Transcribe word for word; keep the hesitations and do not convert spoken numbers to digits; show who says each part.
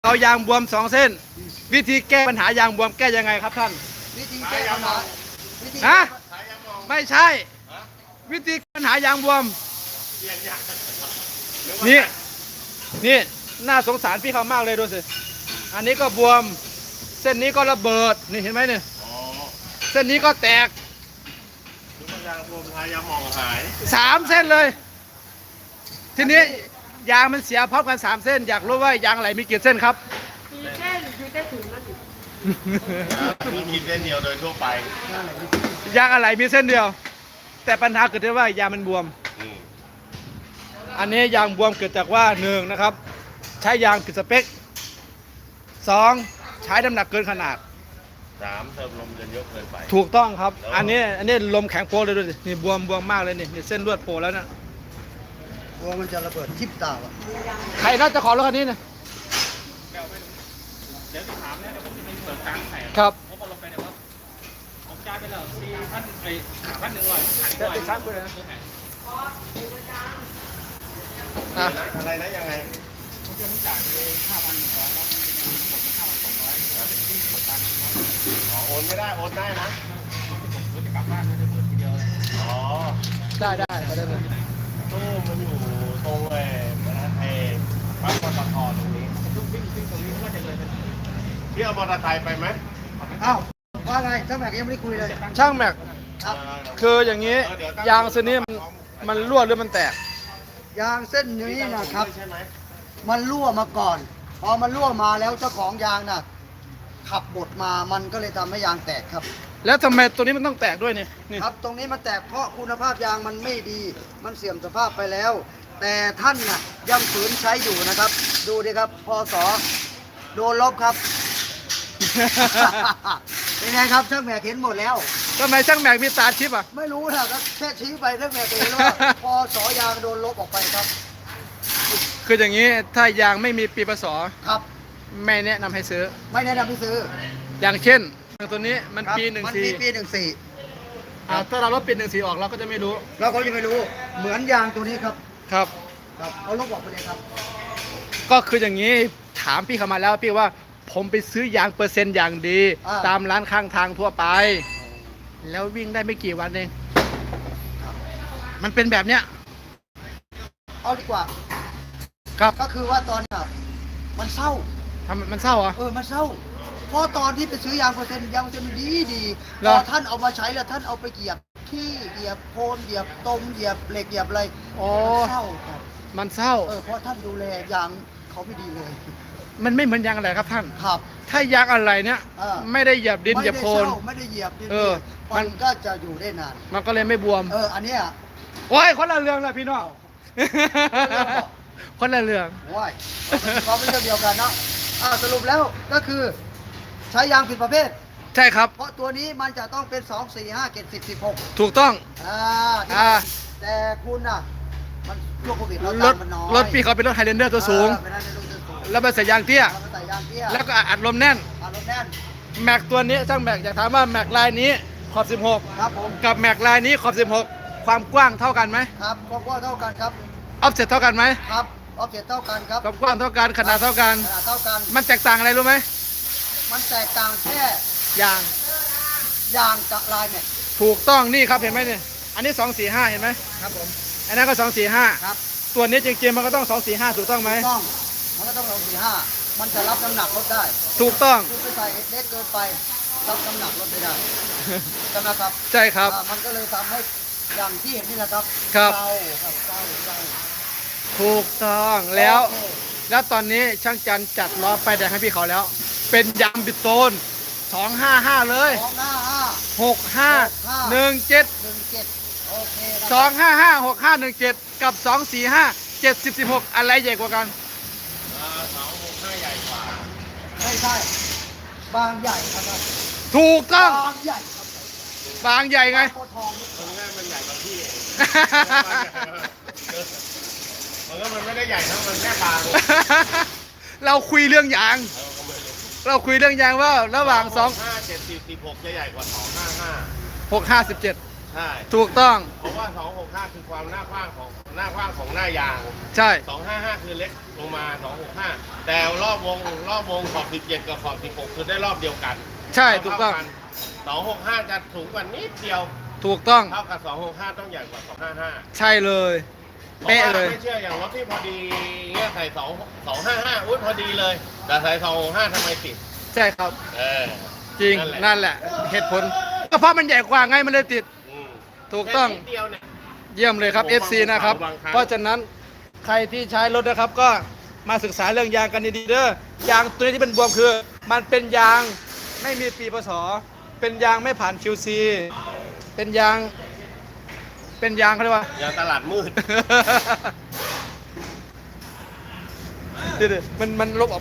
Speaker 1: เอายางบวมสองเส้นวิธีแก้ปัญหายางบวมแก้ยังไงครับท่าน
Speaker 2: วิธีแก้ปัญหา
Speaker 1: ฮะไม่ใช่วิธีปัญหายางบวมนี่นี่น่าสงสารพี่เขามากเลยดูสิอันนี้ก็บวมเส้นนี้ก็ระเบิดนี่เห็นไหมเนี่ยเส้นนี้ก็แตก
Speaker 3: ยางบวมทายางมองหาย
Speaker 1: สามเส้นเลยทีนี้ยางมันเสียพร้อมกันสามเส้นอยากรู้ว่ายางไหลมีกี่เส้นครับ
Speaker 4: มีเส้นอยู่ใต้ถุนนั่น
Speaker 3: มีกินเส้นเดียวโดยทั่วไป
Speaker 1: ยางอะไรมีเส้นเดียวแต่ปัญหาเกิดที่ว่ายางมันบวมอันนี้ยางบวมเกิดจากว่าหนึ่งนะครับใช้ยางผิดสเปคสองใช้น้ำหนักเกินขนาด
Speaker 3: สามเติมลมจนเยอะเกินไป
Speaker 1: ถูกต้องครับอันนี้อันนี้ลมแข็งโป๊เลยดูสินี่บวมบวมมากเลยนี่นี่เส้นลวดโผล่แล้วนะ
Speaker 2: กลัวมันจะระเบิดทิ่มตาอ่ะ
Speaker 1: ใครน่าจะขอรถคันนี้นะ
Speaker 5: เดี๋ยวจะถามเนี่ยเดี๋ยวผมจะไปเปิดกลางแผง
Speaker 1: ครับ
Speaker 5: ผมเอาลงไปเนี่ยว่าผมจ่ายไปแล้วสี่พันไอ้สามพันหนึ่งร้อยขายด้วย
Speaker 1: ชั้นไปเลยนะ
Speaker 3: อะไรนะยังไง
Speaker 5: ผมจะจ่ายไปห้าพันหนึ่งร้อยแล้วผมจะหมดไปห้าพันสองร้อยที่เปิดกลางร้อย
Speaker 3: อ๋อโอนไม่ได้โอนได้นะ
Speaker 5: ผมจะกลับบ้านไม่ได้เปิดทีเดียว
Speaker 3: อ๋อ
Speaker 1: ได้ได้ได้เลย
Speaker 3: ตู้มันอยู่ตรงเอเอปั๊มปตทตรงนี้
Speaker 5: ทุกวิ่งวิ่งตรงนี้ว่าจะเลยเป็น
Speaker 3: พี่เอามอเตอร์ไซค์ไปไหม
Speaker 2: อ้าวว่าไงช่างแม็กยังไม่ได้คุยเลย
Speaker 1: ช่างแม็กคืออย่างนี้ยางเส้นนี้มันมันรั่วหรือมันแตก
Speaker 2: ยางเส้นนี้นะครับมันรั่วมาก่อนพอมันรั่วมาแล้วเจ้าของยางน่ะขับบดมามันก็เลยทำให้ยางแตกครับ
Speaker 1: แล้วทำไมตัวนี้มันต้องแตกด้วยเนี่ย
Speaker 2: ครับตรงนี้มันแตกเพราะคุณภาพยางมันไม่ดีมันเสื่อมสภาพไปแล้วแต่ท่านน่ะยังฝืนใช้อยู่นะครับดูดิครับพศโดนลบครับเป็นไงครับช่างแม็กเห็นหมดแล้ว
Speaker 1: ทำไมช่างแม็กมีตาชิปอ่ะ
Speaker 2: ไม่รู้นะก็แค่ชี้ไปช่างแม็กเองว่าพศยางโดนลบออกไปครับ
Speaker 1: คืออย่างนี้ถ้ายางไม่มีปีพศ
Speaker 2: ครับ
Speaker 1: ไม่แนะนำให้ซื้อ
Speaker 2: ไม่แนะนำให้ซื้อ
Speaker 1: อย่างเช่นตัวนี้มันปีหนึ่งสี่
Speaker 2: มันมีปีหนึ่งสี่
Speaker 1: ถ้าเราลบปีหนึ่งสี่ออกเราก็จะไม่รู้
Speaker 2: เราก็จะไม่รู้เหมือนยางตัวนี้ครับ
Speaker 1: ครับ
Speaker 2: ครับเอาลบออกไปเลยครับ
Speaker 1: ก็คืออย่างนี้ถามพี่เข้ามาแล้วพี่ว่าผมไปซื้อยางเปอร์เซ็นต์อย่างดีตามร้านข้างทางทั่วไปแล้ววิ่งได้ไม่กี่วันเองมันเป็นแบบเนี้ย
Speaker 2: เอาดีกว่า
Speaker 1: ครับ
Speaker 2: ก็คือว่าตอนน่ะมันเศร้า
Speaker 1: ทำมันเศร้าเหรอ
Speaker 2: เออมันเศร้าเพราะตอนที่ไปซื้อยางเปอร์เซ็นต์ยางเปอร์เซ็นต์ดีดีพอท่านเอามาใช้แล้วท่านเอาไปเหยียบที่เหยียบโคนเหยียบตมเหยียบเหล็กเหยียบอะไรมันเศร้าครับ
Speaker 1: มันเศร้า
Speaker 2: เออเพราะท่านดูแลยางเขาไม่ดีเลย
Speaker 1: มันไม่เหมือนยางอะไรครับท่าน
Speaker 2: ครับ
Speaker 1: ถ้ายางอะไรเนี้ยไม่ได้เหยียบดินเหยียบโคน
Speaker 2: ไม่ได้เหยียบดิน
Speaker 1: เออ
Speaker 2: มันก็จะอยู่ได้นาน
Speaker 1: มันก็เลยไม่บวม
Speaker 2: เอออันนี้อ่ะ
Speaker 1: โอ้ยคนละเรื่องเลยพี่น้องคนละเรื่อง
Speaker 2: ว้ายเขาไม่ใช่เดียวกันเนาะอ่าสรุปแล้วก็คือใช้ยางผิดประเภท
Speaker 1: ใช่ครับ
Speaker 2: เพราะตัวนี้มันจะต้องเป็นสองสี่ห้าเจ็ดสิบสิบหก
Speaker 1: ถูกต้อง
Speaker 2: อ่าอ่าแต่คุณน่ะมันช่วงโควิดเรา
Speaker 1: ร
Speaker 2: ตา
Speaker 1: ถ
Speaker 2: มมันน้อย
Speaker 1: รถพี่เขาเป็นรถไฮเลนเดอร์ตัวสูงแล้วมันใส่ยางเตี้ยแล้วก็อัดลมแน่น
Speaker 2: อัดลมแน่น
Speaker 1: แม็กตัวนี้ช่างแม็กอยากถามว่าแม็กลายนี้ขอบสิบหก
Speaker 2: ครับผม
Speaker 1: กับแม็กลายนี้ขอบสิบหกความกว้างเท่ากันไหม
Speaker 2: ครับความกว้างเท่ากันครับ
Speaker 1: ออฟเซ็ตเท่ากันไหม
Speaker 2: ครับออฟเซ็ตเท่ากันครับ
Speaker 1: ความกว้างเท่ากันขนาดเท่ากัน
Speaker 2: ขนาดเท่ากัน
Speaker 1: มันแตกต่างอะไรรู้ไหม
Speaker 2: มันแตกต่างแค่
Speaker 1: ยาง
Speaker 2: ยางกับลายเนี่ย
Speaker 1: ถูกต้องนี่ครับเห็นไหมเนี่ยอันนี้สองสี่ห้าเห็นไหม
Speaker 2: ครับผม
Speaker 1: อันนั้นก็สองสี่ห้า
Speaker 2: ครับ
Speaker 1: ตัวนี้จริงๆมันก็ต้องสองสี่ห้าถูกต้องไหม
Speaker 2: ถูกต้องมันก็ต้องสองสี่ห้ามันจะรับน้ำหนักรถได้
Speaker 1: ถูกต้อง
Speaker 2: คุณไปใส่เล็กเกินไปรับน้ำหนักรถไม่ได้ใช่ไหมครับ
Speaker 1: ใช่ครับ
Speaker 2: มันก็เลยทำให้อย่างที่เห็นนี่แหละครับ
Speaker 1: ครับ
Speaker 2: เศร้าครับเศร้าเศร้า
Speaker 1: ถูกต้องแล้วแล้วตอนนี้ช่างจันจัดล้อไฟแดงให้พี่เขาแล้วเป็นยางบิดโซนสองห้าห้าเลย
Speaker 2: สองห้าห้า
Speaker 1: หกห้าหนึ่งเจ็ด
Speaker 2: หนึ่งเจ็ดโอเค
Speaker 1: สองห้าห้าหกห้าหนึ่งเจ็ดกับสองสี่ห้าเจ็ดสิบสิบหกอะไรใหญ่กว่ากัน
Speaker 3: สองหกห้าใหญ่กว่า
Speaker 2: ไม่ใช่บางใหญ่ครับ
Speaker 1: ถูกต้อง
Speaker 2: บางใหญ่ครับ
Speaker 1: บางใหญ่ไง
Speaker 2: โคทอง
Speaker 3: ตรงนี้มันใหญ่กว่าพี่มันก็มันไม่ได้ใหญ่เท่ามันแค่บาง
Speaker 1: เราคุยเรื่องยางเราคุยเรื่องยางว่าระหว่างสอง
Speaker 3: ห้าเจ็ดสิบสิบหกจะใหญ่กว่าสองห้าห้า
Speaker 1: หกห้าสิบเจ็ด
Speaker 3: ใช่
Speaker 1: ถูกต้อง
Speaker 3: เพราะว่าสองหกห้าคือความหน้ากว้างของหน้ากว้างของหน้ายาง
Speaker 1: ใช่
Speaker 3: สองห้าห้าคือเล็กลงมาสองหกห้าแต่รอบวงรอบวงขอบสิบเจ็ดกับขอบสิบหกคือได้รอบเดียวกัน
Speaker 1: ใช่ถูกต้อง
Speaker 3: สองหกห้าจะสูงกว่านิดเดียว
Speaker 1: ถูกต้อง
Speaker 3: เท่ากับสองหกห้าต้องใหญ่กว่าสองห้าห้า
Speaker 1: ใช่เลย
Speaker 3: เพราะ
Speaker 1: เป๊ะ
Speaker 3: ว่า
Speaker 1: เลย
Speaker 3: ไม่เชื่ออย่างรถที่พอดีเงี้ยใส่สองสองห้าห้าอุ้ยพอดีเลย แต่ใส่สองหกห้าทำไมติด
Speaker 1: ใช่ครับ
Speaker 3: เออ
Speaker 1: จริง
Speaker 3: นั่นแหละ
Speaker 1: นั่นแหละ เหตุผลก็เพราะมันใหญ่กว่าไงมันเลยติด
Speaker 3: อืม
Speaker 1: ถูกต้อง
Speaker 3: แค่นิดเดียวเนี่ย
Speaker 1: เยี่ยมเลยครับ
Speaker 3: ผม
Speaker 1: เอฟ ซี นะครับ
Speaker 3: บางครั้ง
Speaker 1: เพราะฉะนั้นใครที่ใช้รถนะครับก็มาศึกษาเรื่องยางกันดีๆเด้อยางตัวนี้ที่เป็นบวมคือ มันเป็นยางไม่มีปีพศเป็นยางไม่ผ่าน คิว ซี เป็นยาง เป็นยางเขาเรียกว่า
Speaker 3: อย่างตลาดมืด
Speaker 1: เดี๋ยวๆมันมันลบออก